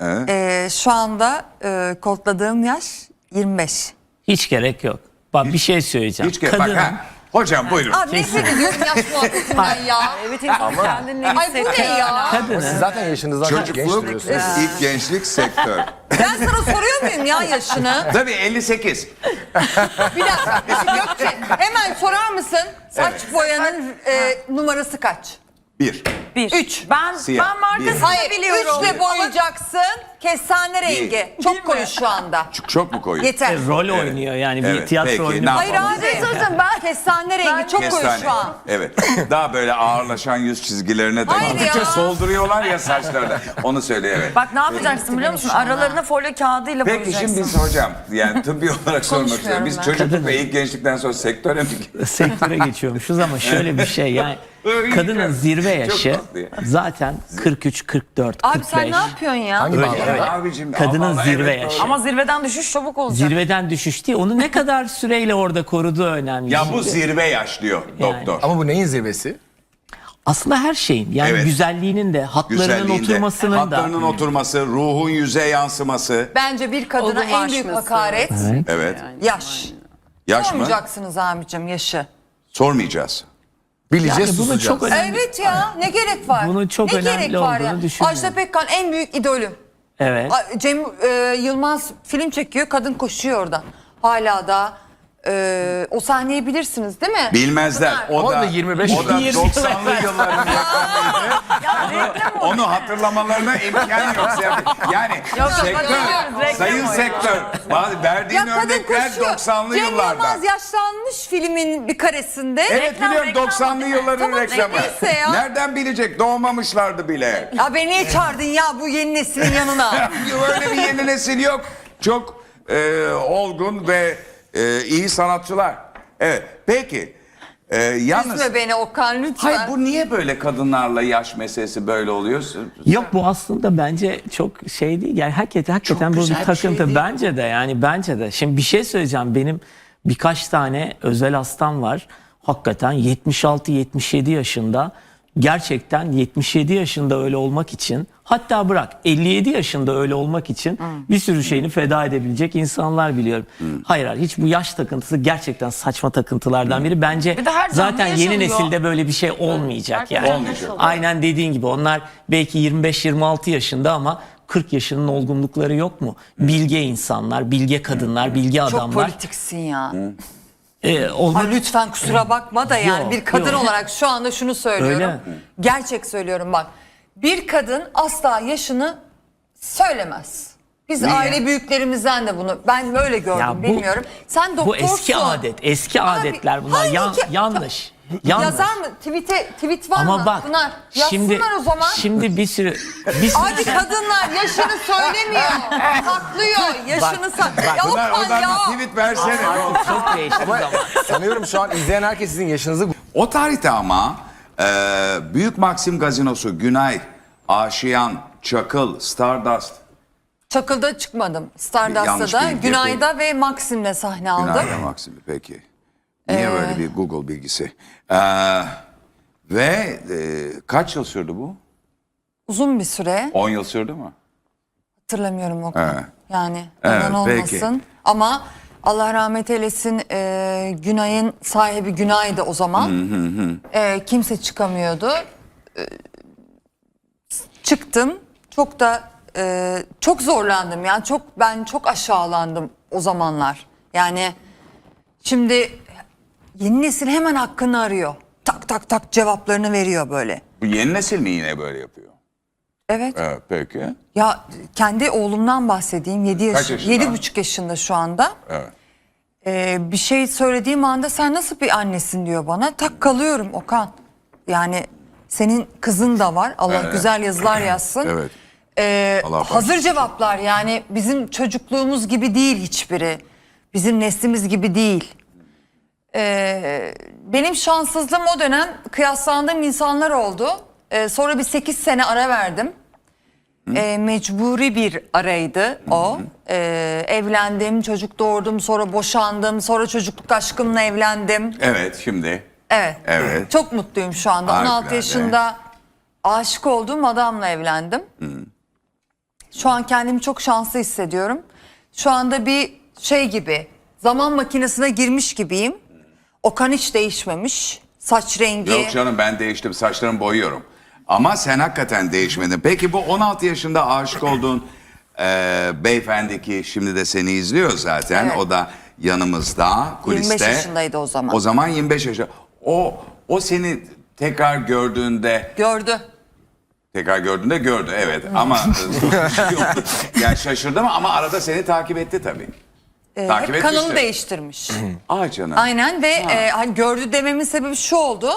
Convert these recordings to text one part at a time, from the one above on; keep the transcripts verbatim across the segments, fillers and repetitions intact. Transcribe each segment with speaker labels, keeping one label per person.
Speaker 1: Evet.
Speaker 2: Ee, şu anda e, kodladığım yaş yirmi beş.
Speaker 3: Hiç gerek yok. Bak bir şey söyleyeceğim.
Speaker 1: Hiç gerek bak
Speaker 3: Kadının
Speaker 1: ha. Hocam buyurun.
Speaker 2: Abi nefret ediyorum yaş muhabbetinden ya.
Speaker 4: Evet, insan kendini
Speaker 2: Ay bu ne ya?
Speaker 4: hissettiği
Speaker 3: kadının
Speaker 5: Siz zaten yaşınızdan çok genç
Speaker 1: Çocukluk,
Speaker 5: duruyorsunuz.
Speaker 1: ilk gençlik sektör.
Speaker 2: Ben sana soruyor muyum ya yaşını?
Speaker 1: Tabii elli sekiz.
Speaker 2: Bir dakika. Gökçe hemen sorar mısın? Saç boyanın e, numarası kaç?
Speaker 1: Bir.
Speaker 4: Bir.
Speaker 2: Üç.
Speaker 4: Ben,
Speaker 1: Siyah.
Speaker 4: ben markasını
Speaker 1: Bir.
Speaker 2: Hayır,
Speaker 4: biliyorum.
Speaker 2: üçle boyayacaksın. Kestane rengi. Çok koyu şu anda.
Speaker 1: Çok, çok mu koyu?
Speaker 2: Yeter.
Speaker 3: rol oynuyor yani bir
Speaker 1: Evet,
Speaker 3: tiyatro
Speaker 1: peki,
Speaker 3: oynuyor.
Speaker 1: ne
Speaker 2: Hayır
Speaker 1: yapalım?
Speaker 2: abi. Sözüm ben kestane rengi çok koyu
Speaker 1: Kestane.
Speaker 2: şu an.
Speaker 1: Evet. Daha böyle ağırlaşan yüz çizgilerine de
Speaker 2: Hayır
Speaker 1: gittikçe
Speaker 2: ya.
Speaker 1: solduruyorlar ya saçlarına. Onu söyle evet.
Speaker 4: Bak ne yapacaksın biliyor musun?
Speaker 2: şu anda.
Speaker 4: Aralarına folyo kağıdıyla
Speaker 1: Peki
Speaker 4: boyayacaksın.
Speaker 1: şimdi biz hocam yani tıbbi olarak sormak istiyorum. Biz
Speaker 2: ben.
Speaker 1: çocukluk ve ilk gençlikten sonra sektöre mi
Speaker 3: Sektöre geçiyormuşuz ama şöyle bir şey yani kadının zirve yaşı
Speaker 1: tatlı ya.
Speaker 3: zaten kırk üç, kırk dört,
Speaker 2: Abi
Speaker 3: kırk
Speaker 2: sen
Speaker 3: beş.
Speaker 2: ne yapıyorsun ya?
Speaker 5: Hangi
Speaker 3: Öyle,
Speaker 5: bağlamda?
Speaker 3: öyle.
Speaker 1: Abicim,
Speaker 3: Kadının
Speaker 1: ama
Speaker 3: zirve
Speaker 1: evet,
Speaker 3: yaşı.
Speaker 4: Ama zirveden düşüş çabuk olacak.
Speaker 3: Zirveden düşüş değil. Onu ne kadar süreyle orada koruduğu önemli.
Speaker 1: Ya bu
Speaker 3: Şimdi
Speaker 1: zirve yaş diyor doktor.
Speaker 5: Ama bu neyin zirvesi?
Speaker 3: aslında her şeyin yani
Speaker 1: Evet.
Speaker 3: güzelliğinin de hatlarının
Speaker 1: Güzelliğinde,
Speaker 3: oturmasının
Speaker 1: hatlarının
Speaker 3: da.
Speaker 1: oturması, ruhun yüze yansıması.
Speaker 2: Bence bir kadına en büyük
Speaker 4: Olgunlaşması.
Speaker 2: hakaret
Speaker 1: Evet.
Speaker 2: yaş.
Speaker 1: Yaş mı?
Speaker 2: Sormayacaksınız abicim yaşı.
Speaker 1: Sormayacağız.
Speaker 5: Bileceğiz,
Speaker 3: Yani bunu
Speaker 5: susacağız.
Speaker 3: çok önemli.
Speaker 2: Evet ya ne gerek var?
Speaker 3: Bunun çok
Speaker 2: ne
Speaker 3: önemli
Speaker 2: gerek var
Speaker 3: olduğunu
Speaker 2: ya?
Speaker 3: düşünüyorum.
Speaker 2: Ajda Pekkan en büyük idolüm.
Speaker 3: Evet.
Speaker 2: A- Cem e, Yılmaz film çekiyor, kadın koşuyor orada. Hala da e, o sahneyi bilirsiniz değil mi?
Speaker 1: Bilmezler. O
Speaker 5: Ama
Speaker 1: da,
Speaker 5: da yirmi beş
Speaker 1: o da
Speaker 3: yirmi
Speaker 1: doksanlı yılların yakınıydı. Onu hatırlamalarına imkan yok. Yani sektör,
Speaker 4: biliyoruz, reklam
Speaker 1: sayın
Speaker 4: o ya.
Speaker 1: sektör. Bazı verdiğin
Speaker 2: Ya kadın
Speaker 1: örnekler
Speaker 2: koşuyor.
Speaker 1: doksanlı
Speaker 2: Cem
Speaker 1: yıllarda.
Speaker 2: Yılmaz yaşlanmış filmin bir karesinde.
Speaker 1: Evet
Speaker 4: Reklam,
Speaker 1: biliyorum
Speaker 4: reklam
Speaker 1: doksanlı
Speaker 4: o.
Speaker 1: yılların
Speaker 2: Tamam,
Speaker 1: reklamı.
Speaker 2: neyse ya.
Speaker 1: Nereden bilecek? Doğmamışlardı bile.
Speaker 2: Ya beni niye çağırdın ya bu yeni neslin yanına?
Speaker 1: Öyle bir yeni nesil yok. Çok e, olgun ve e, iyi sanatçılar. Evet. Peki. E, yalnız
Speaker 2: Üzme beni Okan lütfen.
Speaker 1: hayır bu niye böyle kadınlarla yaş meselesi böyle oluyor?
Speaker 3: Yok bu aslında bence çok şey değil. Yani hakikaten, hakikaten bu
Speaker 1: güzel
Speaker 3: bir
Speaker 1: bir
Speaker 3: takıntı.
Speaker 1: şey değil
Speaker 3: bence de yani bence de. Şimdi bir şey söyleyeceğim. Benim birkaç tane özel hastam var. Hakikaten yetmiş altı yetmiş yedi yaşında. Gerçekten yetmiş yedi yaşında öyle olmak için, hatta bırak elli yedi yaşında öyle olmak için bir sürü şeyini feda edebilecek insanlar biliyorum. Hayır hayır hiç bu yaş takıntısı gerçekten saçma takıntılardan biri. Bence
Speaker 4: Bir de her canlı
Speaker 3: zaten yeni
Speaker 4: yaşanıyor.
Speaker 3: nesilde böyle bir şey olmayacak
Speaker 4: Herkes
Speaker 3: yani.
Speaker 4: canlı
Speaker 1: Olmayacak.
Speaker 4: yaşıyor.
Speaker 3: Aynen dediğin gibi onlar belki yirmi beş yirmi altı yaşında ama kırk yaşının olgunlukları yok mu? Bilge insanlar, bilge kadınlar, bilge
Speaker 2: Çok
Speaker 3: adamlar.
Speaker 2: politiksin ya.
Speaker 3: Ee, olmak-
Speaker 2: Ay lütfen kusura bakma da yani
Speaker 3: Yok,
Speaker 2: bir kadın
Speaker 3: yok.
Speaker 2: olarak şu anda şunu söylüyorum.
Speaker 3: Öyle.
Speaker 2: Gerçek söylüyorum bak. Bir kadın asla yaşını söylemez. Biz
Speaker 1: Niye?
Speaker 2: aile büyüklerimizden de bunu ben böyle gördüm
Speaker 3: Ya bu-
Speaker 2: bilmiyorum. Sen
Speaker 3: Bu
Speaker 2: doktorsun.
Speaker 3: eski adet, eski
Speaker 2: Abi,
Speaker 3: adetler bunlar.
Speaker 2: hangi
Speaker 3: Yan-
Speaker 2: ki-
Speaker 3: yanlış. Yanlış.
Speaker 2: Yazar mı? Tweet'e, tweet var
Speaker 3: Ama
Speaker 2: mı?
Speaker 3: bak
Speaker 2: Pınar, yazsınlar
Speaker 3: şimdi
Speaker 2: o zaman.
Speaker 3: şimdi bir sürü bir sürü
Speaker 2: Hadi kadınlar yaşını söylemiyor. Saklıyor. Yaşını saklıyor. Ya
Speaker 1: Bunlar
Speaker 2: Okan
Speaker 1: oradan
Speaker 2: ya.
Speaker 1: bir tweet versene.
Speaker 3: çok değişti zaman.
Speaker 5: Sanıyorum şu an izleyen herkes sizin yaşınızı
Speaker 1: O tarihte ama e, Büyük Maxim Gazinosu, Günay, Aşiyan, Çakıl, Stardust.
Speaker 2: Çakıl'da çıkmadım.
Speaker 1: Yanlış
Speaker 2: Stardust'ta da,
Speaker 1: bilgi
Speaker 2: Günay'da ve Maxim'le sahne aldım.
Speaker 1: Günay ve Maxim peki. Niye
Speaker 2: Ee,
Speaker 1: böyle bir Google bilgisi? E, ve e, kaç yıl sürdü bu?
Speaker 2: Uzun bir süre.
Speaker 1: on yıl sürdü mü?
Speaker 2: Hatırlamıyorum Okan.
Speaker 1: Evet.
Speaker 2: Yani
Speaker 1: Evet,
Speaker 2: yalan
Speaker 1: peki.
Speaker 2: olmasın. Ama Allah rahmet eylesin e, Günay'ın sahibi Günay'dı o zaman. E, kimse çıkamıyordu. E, çıktım. Çok da e, çok zorlandım. Yani çok ben çok aşağılandım o zamanlar. Yani şimdi yeni nesil hemen hakkını arıyor. Tak tak tak cevaplarını veriyor böyle.
Speaker 1: Bu yeni nesil mi yine böyle yapıyor?
Speaker 2: Evet.
Speaker 1: Evet peki.
Speaker 2: Ya kendi oğlumdan bahsedeyim. yedi
Speaker 1: Kaç
Speaker 2: yaş,
Speaker 1: yaşında?
Speaker 2: yedi buçuk yaşında şu anda.
Speaker 1: Evet.
Speaker 2: Ee, bir şey söylediğim anda sen nasıl bir annesin diyor bana. Tak kalıyorum Okan. Yani senin kızın da var. Allah
Speaker 1: Evet.
Speaker 2: güzel yazılar yazsın.
Speaker 1: Evet.
Speaker 2: Ee,
Speaker 1: Allah
Speaker 2: hazır
Speaker 1: bağışlasın.
Speaker 2: cevaplar yani bizim çocukluğumuz gibi değil hiçbiri. Bizim neslimiz gibi değil. Ee, benim şanssızlığım o dönem kıyaslandığım insanlar oldu. Ee, sonra bir sekiz sene ara verdim. Ee, mecburi bir araydı o. Ee, evlendim, çocuk doğurdum, sonra boşandım, sonra çocukluk aşkımla evlendim.
Speaker 1: Evet şimdi.
Speaker 2: Evet.
Speaker 1: Evet.
Speaker 2: Çok mutluyum şu anda. on
Speaker 1: Harikulade.
Speaker 2: altı yaşında aşık olduğum adamla evlendim. Şu an kendimi çok şanslı hissediyorum. Şu anda bir şey gibi, zaman makinesine girmiş gibiyim. Okan hiç değişmemiş. Saç rengi.
Speaker 1: Yok canım, ben değiştim, saçlarımı boyuyorum. Ama sen hakikaten değişmedin. Peki bu on altı yaşında aşık olduğun e, beyefendi ki şimdi de seni izliyor zaten.
Speaker 2: Evet.
Speaker 1: O da yanımızda, kuliste.
Speaker 2: yirmi beş yaşındaydı o zaman.
Speaker 1: O zaman yirmi beş yaşında. O, o seni tekrar gördüğünde,
Speaker 2: Gördü.
Speaker 1: tekrar gördüğünde gördü evet. Ama yani şaşırdı mı, ama arada seni takip etti tabii.
Speaker 2: Ee,
Speaker 1: Takip
Speaker 2: hep kanalını
Speaker 1: etmiştir.
Speaker 2: değiştirmiş.
Speaker 1: Aa canım.
Speaker 2: Aynen ve e, hani gördü dememin sebebi şu oldu.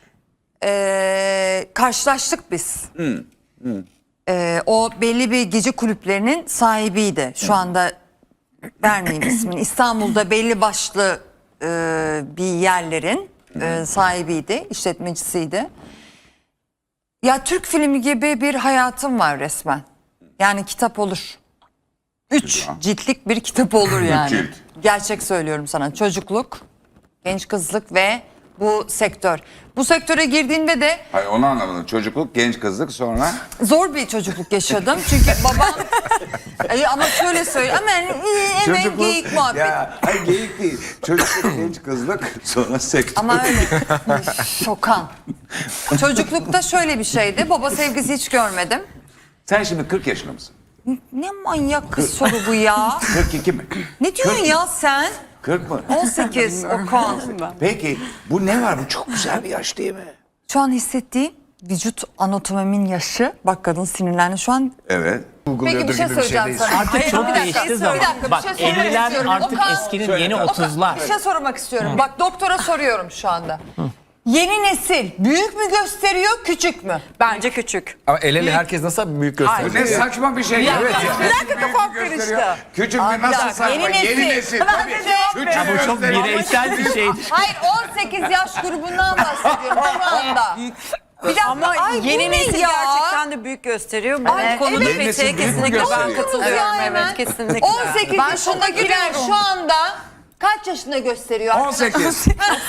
Speaker 2: E, karşılaştık biz. E, o belli bir gece kulüplerinin sahibiydi. Şu anda vermeyeyim ismini. İstanbul'da belli başlı e, bir yerlerin e, sahibiydi, işletmecisiydi. Ya Türk filmi gibi bir hayatım var resmen. Yani kitap olur. Üç
Speaker 1: Güzel.
Speaker 2: ciltlik bir kitap olur yani.
Speaker 1: cilt.
Speaker 2: Gerçek söylüyorum sana. Çocukluk, genç kızlık ve bu sektör. Bu sektöre girdiğinde de
Speaker 1: Hayır, onu anlamadım. Çocukluk, genç kızlık, sonra...
Speaker 2: zor bir çocukluk yaşadım. Çünkü babam E, ama şöyle söyle ama yani, e, hemen geyik muhabbet.
Speaker 1: Ya, hayır geyik değil. Çocukluk, genç kızlık, sonra sektör.
Speaker 2: Ama öyle. Şokan. Çocuklukta şöyle bir şeydi. Baba sevgisi hiç görmedim.
Speaker 1: Sen şimdi kırk yaşında mısın?
Speaker 2: Ne manyak kız soru bu ya.
Speaker 1: kırk iki mi?
Speaker 2: Ne diyorsun ya sen?
Speaker 1: kırk mı?
Speaker 2: on sekiz Okan.
Speaker 1: Peki bu ne var? Bu çok güzel bir yaş değil mi?
Speaker 2: Şu an hissettiğim vücut anatomimin yaşı. Bak kadın sinirlendi şu an.
Speaker 1: Evet.
Speaker 2: Peki bir şey söyleyeceğim sana.
Speaker 3: Artık
Speaker 2: Hayır,
Speaker 3: çok
Speaker 2: bir dakika,
Speaker 3: değişti
Speaker 2: bir
Speaker 3: zaman.
Speaker 2: dakika, bir
Speaker 3: Bak
Speaker 2: şey söylemek
Speaker 3: elliler
Speaker 2: istiyorum.
Speaker 3: artık
Speaker 2: Okan,
Speaker 3: eskinin
Speaker 1: söyle.
Speaker 3: yeni
Speaker 1: Okan,
Speaker 3: otuzlar.
Speaker 2: Bir şey sormak istiyorum. Bak doktora soruyorum şu anda. Yeni nesil büyük mü gösteriyor, küçük mü?
Speaker 4: Bence küçük.
Speaker 5: Ama el ele herkes nasıl büyük
Speaker 1: Bu
Speaker 5: gösteriyor?
Speaker 1: ne saçma bir şey. Evet.
Speaker 2: Bir dakika kafam karıştı.
Speaker 1: Küçük
Speaker 2: Aa,
Speaker 1: mü,
Speaker 2: bir
Speaker 1: nasıl
Speaker 2: dakika,
Speaker 1: saçma?
Speaker 2: yeni
Speaker 1: Yeni
Speaker 2: nesil.
Speaker 1: nesil.
Speaker 2: Ben
Speaker 1: Tabii.
Speaker 2: de cevap
Speaker 1: Küçük
Speaker 2: veriyorum.
Speaker 3: Bu çok
Speaker 1: gösteriyor.
Speaker 3: bireysel bir şeydir.
Speaker 2: Hayır on sekiz yaş grubundan bahsediyorum şu anda. Bir dakika,
Speaker 4: Ama
Speaker 2: ay,
Speaker 4: yeni
Speaker 2: bu ne
Speaker 4: nesil
Speaker 2: ya?
Speaker 4: gerçekten de büyük gösteriyor. Bu
Speaker 2: Ay,
Speaker 4: konuda
Speaker 2: evet.
Speaker 1: Yeni nesil
Speaker 4: Mete'ye
Speaker 1: büyük mü
Speaker 4: kesinlikle ben
Speaker 1: gösteriyor?
Speaker 4: katılıyorum.
Speaker 2: Ya
Speaker 4: Evet,
Speaker 2: hemen.
Speaker 4: kesinlikle.
Speaker 2: on sekiz
Speaker 4: Ben
Speaker 2: yaşındakiler şu anda kaç yaşında gösteriyor?
Speaker 1: on sekiz.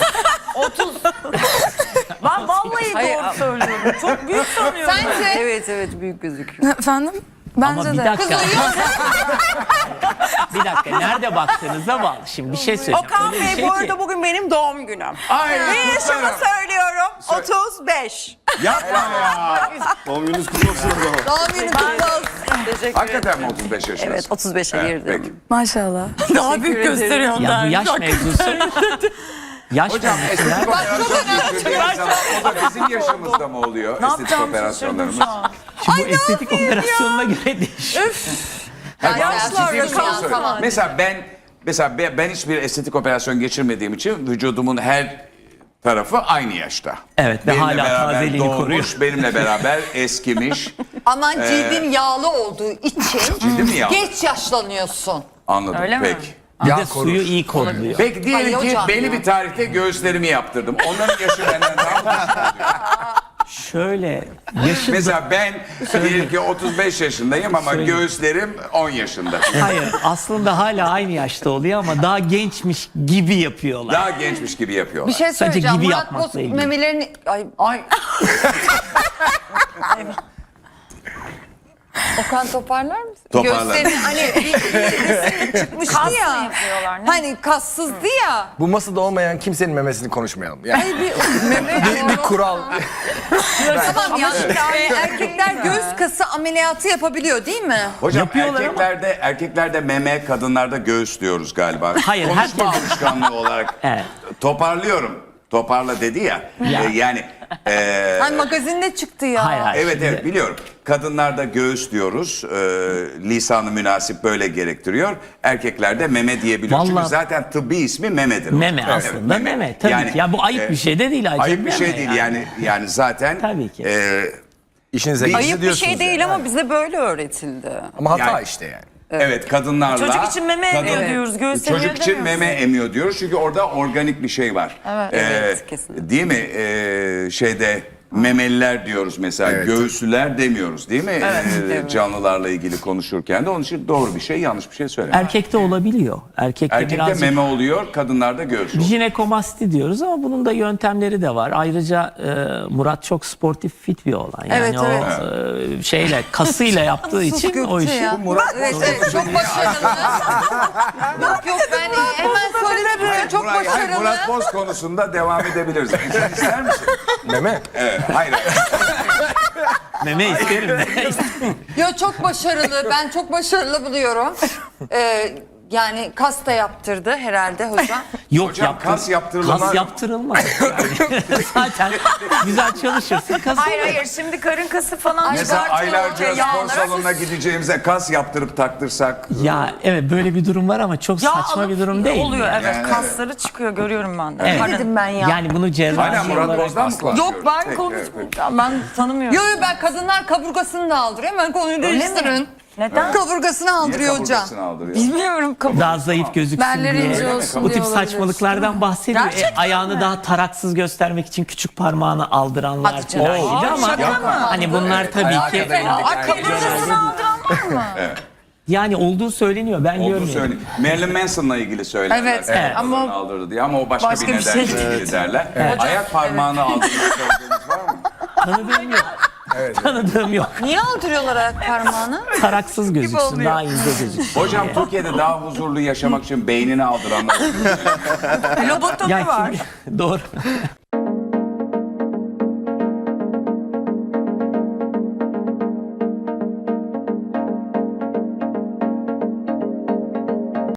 Speaker 4: Ben vallahi doğru söylüyorum. Çok büyük sanıyorum.
Speaker 2: Sence?
Speaker 4: Evet evet büyük gözüküyor.
Speaker 6: Efendim?
Speaker 3: Ama
Speaker 6: Bence
Speaker 3: bir
Speaker 6: de.
Speaker 3: dakika. bir dakika. Nerede baktığınıza bağlı. Şimdi bir şey söyleyeceğim.
Speaker 4: Okan
Speaker 3: Öyle bir
Speaker 4: Bey
Speaker 3: şey
Speaker 4: bu
Speaker 3: ki-
Speaker 4: arada bugün benim doğum günüm.
Speaker 1: Ay,
Speaker 4: Ve yaşımı
Speaker 1: kutlarım.
Speaker 4: söylüyorum. otuz beş.
Speaker 1: Yapma ya.
Speaker 2: Doğum günü kutlu olsun.
Speaker 4: Teşekkür
Speaker 1: Hakikaten mi otuz beş yaşındasın?
Speaker 4: Evet otuz beşe
Speaker 1: Evet,
Speaker 4: girdim.
Speaker 1: peki.
Speaker 6: Maşallah.
Speaker 4: Daha büyük gösteriyor.
Speaker 3: Ya bu yaş mevzusu. yaş
Speaker 1: Hocam
Speaker 3: mevzusu.
Speaker 1: estetik
Speaker 3: her-
Speaker 1: operasyon geçirdiğimiz zaman o da bizim yaşımızda mı oluyor? Estetik operasyonlarımız.
Speaker 3: Şimdi bu estetik operasyonuna göre değişiyor.
Speaker 1: Hayır, ben
Speaker 2: yaşlar
Speaker 1: ciddi bir soru
Speaker 2: rakam
Speaker 1: soruyorum.
Speaker 2: falan.
Speaker 1: Mesela ben mesela ben ben hiçbir estetik operasyon geçirmediğim için vücudumun her tarafı aynı yaşta.
Speaker 3: Evet ve
Speaker 1: Benimle
Speaker 3: hala
Speaker 1: beraber
Speaker 3: tazeliğini
Speaker 1: doğmuş,
Speaker 3: koruyor.
Speaker 1: benimle beraber eskimiş.
Speaker 2: Ama cildin yağlı olduğu için
Speaker 1: Cildim mi yağlı?
Speaker 2: geç yaşlanıyorsun.
Speaker 1: Anladım.
Speaker 4: Öyle mi?
Speaker 1: Peki.
Speaker 3: Bir
Speaker 5: Yağ
Speaker 3: de
Speaker 5: korur.
Speaker 3: suyu iyi kolluyor.
Speaker 1: Peki diyelim
Speaker 2: Ay
Speaker 1: ki
Speaker 2: hocam
Speaker 1: belli
Speaker 2: ya.
Speaker 1: bir tarihte göğüslerimi yaptırdım. Onların yaşı benden daha fazla.
Speaker 3: Şöyle yaşı
Speaker 1: Mesela ben diyelim ki otuz beş yaşındayım ama
Speaker 3: Söyle.
Speaker 1: göğüslerim on yaşında.
Speaker 3: hayır aslında hala aynı yaşta oluyor ama daha gençmiş gibi yapıyorlar.
Speaker 1: Daha gençmiş gibi yapıyorlar.
Speaker 2: Bir şey
Speaker 3: Sadece
Speaker 2: söyleyeceğim.
Speaker 3: gibi
Speaker 2: Murat
Speaker 3: yapmakla
Speaker 2: Bozkurt
Speaker 3: ilgili.
Speaker 2: memelerini... Ay, ay. Okan toparlar mısın?
Speaker 1: Toparlarım.
Speaker 2: Gösterin hani bir, bir resim çıkmıştı
Speaker 4: Kas mı
Speaker 2: ya.
Speaker 4: yapıyorlar, ne?
Speaker 2: Hani kassızdı ya.
Speaker 5: Bu masada olmayan kimsenin memesini konuşmayalım. Yani
Speaker 2: Bir, meme,
Speaker 5: bir, bir kural.
Speaker 2: tamam ya. E, erkekler göğüs kası ameliyatı yapabiliyor değil mi?
Speaker 1: Hocam
Speaker 3: Yapıyorlar ama-
Speaker 1: erkeklerde erkeklerde meme, kadınlarda göğüs diyoruz galiba.
Speaker 3: Hayır,
Speaker 1: Konuşma
Speaker 3: herkes-
Speaker 1: alışkanlığı olarak.
Speaker 3: Evet.
Speaker 1: Toparlıyorum. Toparla dedi ya.
Speaker 3: Ya.
Speaker 1: E, yani e,
Speaker 2: Hani magazinde çıktı ya.
Speaker 3: Hayır hayır.
Speaker 1: evet
Speaker 3: şimdi-
Speaker 1: evet biliyorum. Kadınlarda göğüs diyoruz. E, lisanı münasip böyle gerektiriyor. Erkeklerde meme diyebiliyoruz. Çünkü
Speaker 3: Vallahi-
Speaker 1: zaten tıbbi ismi memedir. o.
Speaker 3: Meme
Speaker 1: Evet,
Speaker 3: aslında meme. Tabii ki. Ya bu ayıp bir şey de değil ayrıca,
Speaker 1: Ayıp bir şey
Speaker 3: meme
Speaker 1: değil
Speaker 3: yani.
Speaker 1: yani. Yani zaten
Speaker 3: Tabii ki.
Speaker 1: e,
Speaker 5: İşinize
Speaker 1: Ayıp
Speaker 5: gizli
Speaker 4: Ayıp bir
Speaker 5: diyorsunuz
Speaker 4: şey değil
Speaker 5: yani.
Speaker 4: ama bize böyle öğretildi.
Speaker 5: Ama hata
Speaker 1: Yani-
Speaker 5: işte yani.
Speaker 1: evet kadınlarla
Speaker 4: Çocuk için meme emiyor diyoruz, göğüs emiyor
Speaker 1: Çocuk için
Speaker 4: demiyoruz.
Speaker 1: meme emiyor diyoruz çünkü orada organik bir şey var.
Speaker 2: Evet.
Speaker 1: Ee,
Speaker 4: Evet, kesinlikle.
Speaker 1: Değil mi? Ee, şeyde memeliler diyoruz mesela.
Speaker 5: Evet.
Speaker 1: Göğüslüler demiyoruz değil mi?
Speaker 4: Evet,
Speaker 1: Ee,
Speaker 4: evet.
Speaker 1: Canlılarla ilgili konuşurken de onun için doğru bir şey, yanlış bir şey söyleme.
Speaker 3: Erkekte olabiliyor. Erkekte,
Speaker 1: Erkekte
Speaker 3: birazcık
Speaker 1: meme oluyor, kadınlarda göğüs oluyor.
Speaker 3: jinekomasti diyoruz ama bunun da yöntemleri de var. Ayrıca e, Murat çok sportif, fit bir olan. Yani
Speaker 2: Evet,
Speaker 3: o
Speaker 2: evet.
Speaker 3: e, şeyle kasıyla yaptığı
Speaker 2: Sus
Speaker 3: için o
Speaker 2: Gökçe
Speaker 3: işi
Speaker 2: ya.
Speaker 5: Murat
Speaker 2: Evet, evet, çok başarılı. yok yok ben hemen söyledim. Çok
Speaker 1: Murat, hayır,
Speaker 2: başarılı.
Speaker 1: Murat Boz konusunda devam edebiliriz. Sen ister misin?
Speaker 5: meme.
Speaker 1: Evet, hayır. hayır.
Speaker 3: meme isterim.
Speaker 2: Yo çok başarılı. Ben çok başarılı buluyorum. Ee, yani kas da yaptırdı herhalde hocam.
Speaker 3: Yok
Speaker 1: Hocam,
Speaker 3: yaptır-
Speaker 1: kas yaptırılmaz
Speaker 3: Kas
Speaker 1: mı?
Speaker 3: yaptırılmaz. Yani. Zaten güzel çalışırsın kas
Speaker 4: Hayır
Speaker 3: olur.
Speaker 4: hayır şimdi karın kası falan
Speaker 1: Mesela
Speaker 4: çıkartıyor
Speaker 1: aylarca
Speaker 4: ortaya
Speaker 1: spor
Speaker 4: yağlara.
Speaker 1: salonuna gideceğimize kas yaptırıp taktırsak.
Speaker 3: Ya evet böyle bir durum var ama çok
Speaker 4: Yağ
Speaker 3: saçma
Speaker 4: alıp
Speaker 3: bir durum değil.
Speaker 4: Oluyor
Speaker 3: yani.
Speaker 4: evet
Speaker 1: Yani
Speaker 4: kasları çıkıyor görüyorum ben de.
Speaker 3: Evet.
Speaker 4: Karın-
Speaker 2: Dedim ben ya.
Speaker 3: Yani bunu cerrahi
Speaker 1: Hala Murat
Speaker 3: olarak
Speaker 1: Boz'dan mı konuşuyoruz?
Speaker 4: Yok ben
Speaker 1: Peki,
Speaker 4: konuş
Speaker 1: evet,
Speaker 4: ben tanımıyorum.
Speaker 2: Yo yo ben kadınlar kaburgasını da aldırıyor. Hemen konuyu değiştirin.
Speaker 4: Neden?
Speaker 2: Kaburgasını
Speaker 1: Niye
Speaker 2: aldırıyor hocam.
Speaker 1: kaburgasını aldırıyor?
Speaker 4: Bilmiyorum. Kabul.
Speaker 3: daha zayıf gözüksün
Speaker 2: Belleri
Speaker 3: diye.
Speaker 2: ince olsun
Speaker 3: Bu
Speaker 2: diye
Speaker 3: tip
Speaker 2: olabilir.
Speaker 3: saçmalıklardan bahsediyor. E,
Speaker 4: Gerçekten
Speaker 3: ayağını
Speaker 4: mi?
Speaker 3: daha taraksız göstermek için küçük parmağını aldıranlar
Speaker 2: Hadi canım.
Speaker 3: falan gibi
Speaker 4: Aa,
Speaker 3: ama
Speaker 4: şaka mı?
Speaker 3: hani bunlar tabii
Speaker 5: ayağa
Speaker 3: ki
Speaker 5: kadar indik.
Speaker 4: Ay kaburgasını aldıran var mı?
Speaker 3: yani olduğu söyleniyor. Ben
Speaker 1: Olduğu
Speaker 3: görmüyorum.
Speaker 1: söyleyeyim. Marilyn Manson'la ilgili söylerler.
Speaker 2: Evet,
Speaker 1: Evet,
Speaker 2: ama
Speaker 1: ama aldırdı diye ama o başka,
Speaker 4: başka
Speaker 1: bir
Speaker 4: bir
Speaker 1: nedenle
Speaker 4: şey.
Speaker 1: ilgili derler. Ayak parmağını aldığını söylediğiniz var mı?
Speaker 3: Tanıdığım yok. Tanıdığım yok.
Speaker 2: Niye aldırıyorlar ayak parmağını?
Speaker 3: Taraksız gözüksün,
Speaker 2: oluyor.
Speaker 3: daha ince gözüksün.
Speaker 1: Hocam Türkiye'de daha huzurlu yaşamak için beynini aldıranlar.
Speaker 4: Lobotomi
Speaker 3: Ya
Speaker 4: var.
Speaker 3: kim- doğru.